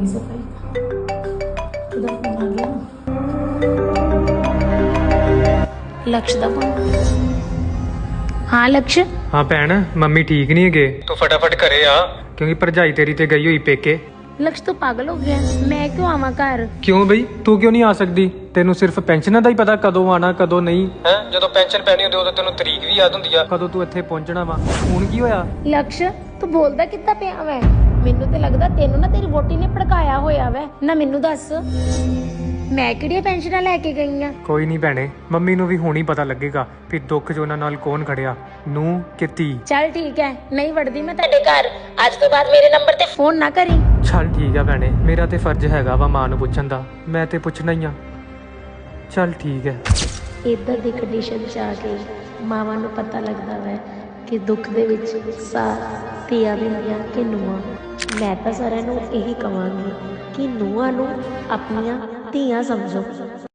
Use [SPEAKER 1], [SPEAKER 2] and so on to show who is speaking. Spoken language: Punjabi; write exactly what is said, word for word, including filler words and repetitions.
[SPEAKER 1] होगी सफाई। उधर फोन आ गया। लक्ष्य दा फोन। हाँ लक्ष्य।
[SPEAKER 2] हाँ भैन मम्मी ठीक नहीं है, तू फटाफट घरे आ क्योंकि भरजाई तेरी ते गई हुई पेके।
[SPEAKER 1] लक्ष्य तू पागल हो गया, मैं क्यों आवा घर?
[SPEAKER 2] क्यों बई तू क्यों नहीं आ सकती? तेनू सिर्फ पेंशन का ही पता कदों आना कदों नहीं है। ਜਦੋਂ पेंशन पैनी होती उदों तेनू तरीक भी याद ਹੁੰਦੀ ਆ ਕਦੋਂ ਤੂੰ ਇੱਥੇ ਪਹੁੰਚਣਾ ਵਾ। ਹੁਣ ਕੀ ਹੋਇਆ?
[SPEAKER 1] लक्ष्य तू बोलदा कितना पिया वै? ਮੈਨੂੰ ਤੇ ਲੱਗਦਾ ਤੈਨੂੰ ਨਾ ਤੇਰੀ ਵੋਟੀ ਨੇ ਭੜਕਾਇਆ ਹੋਇਆ ਵੈ ਨਾ। ਮੈਨੂੰ ਦੱਸ ਮੈਂ ਕਿਹੜੀਆਂ ਪੈਨਸ਼ਨਾਂ ਲੈ ਕੇ ਗਈ ਆ?
[SPEAKER 2] ਕੋਈ ਨਹੀਂ ਭੈਣੇ, ਮੰਮੀ ਨੂੰ ਵੀ ਹੁਣ ਹੀ ਪਤਾ ਲੱਗੇਗਾ ਵੀ ਦੁੱਖ 'ਚ ਉਹਨਾਂ ਨਾਲ ਕੌਣ ਖੜਿਆ, ਨੂੰ ਕਿ ਧੀ।
[SPEAKER 1] ਚੱਲ ਠੀਕ ਹੈ, ਨਹੀਂ ਵੜਦੀ ਮੈਂ ਤੁਹਾਡੇ ਘਰ। ਅੱਜ ਤੋਂ ਬਾਅਦ ਮੇਰੇ ਨੰਬਰ ਤੇ ਫੋਨ ਨਾ ਕਰੀ।
[SPEAKER 2] ਚੱਲ ਠੀਕ ਆ ਭੈਣੇ, ਮੇਰਾ ਤੇ ਫਰਜ਼ ਹੈਗਾ ਵਾ ਮਾਂ ਨੂੰ ਪੁੱਛਣ ਦਾ, ਮੈਂ ਤੇ ਪੁੱਛਣਾ ਹੀ ਆ। ਚੱਲ ਠੀਕ ਹੈ।
[SPEAKER 1] ਇੱਧਰ ਦੀ ਕੰਡੀਸ਼ਨ 'ਚ ਆ ਕੇ ਮਾਵਾਂ ਨੂੰ ਪਤਾ ਲੱਗਦਾ ਵੈ ਕਿ ਦੁੱਖ ਦੇ ਵਿੱਚ ਸਾਥ ਧੀਆਂ ਦਿੰਦੀਆਂ ਕਿ ਨੂੰਹਾਂ। ਮੈਂ ਤਾਂ ਸਾਰਿਆਂ ਨੂੰ ਇਹੀ ਕਹਾਂਗੀ ਕਿ ਨੂੰਹਾਂ ਨੂੰ ਆਪਣੀਆਂ ਧੀਆਂ ਸਮਝੋ।